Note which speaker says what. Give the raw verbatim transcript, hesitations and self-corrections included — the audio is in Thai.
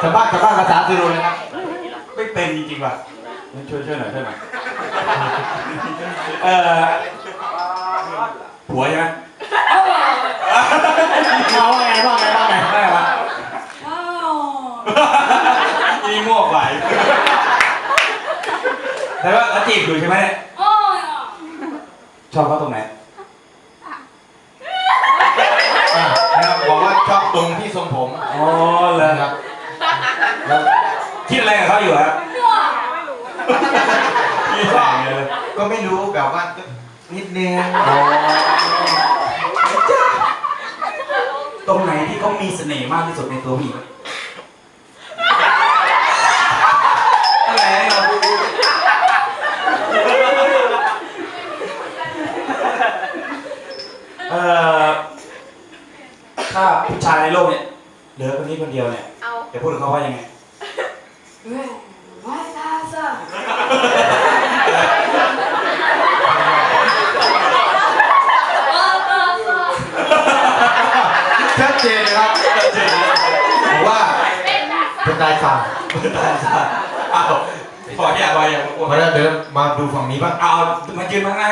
Speaker 1: ชาวบ้านชาวบ้านภาษาซิรูเลยครับไม่เป็นจริงๆว่ะช่วยช่วยหน่อยช่วยหน่อยเออผัวใช่ไหมเขาว่าไงว่าไงว่าไงได้ปะยี่มั่วไปแต่ว่าเขาจีบอยู่ใช่ไหมชอบเขาตรงไหนนะครับบอกว่าชอบตรงที่ทรงผมอ๋อเลยครับแล้วคิดอะไรกับเขาอยู่ครับก็ไม่รู้แบบว่านิดนึงตรงไหนที่เขามีเสน่ห์มากที่สุดในตัวผู้หญิงอะไรเราเอ่อถ้าผู้ชายในโลกเนี่ยเหลือคนนี้คนเดียวเนี่ยจะพูดถึงเขาว่ายังไงชัดเจนนะครับชัดเจนผมว่าเป็นตายสั่งเป็นตายสั่งอ้าวขออย่าไปอย่ามาเดินมาดูฝั่งนี้บ้างเอามายืนข้างหน้า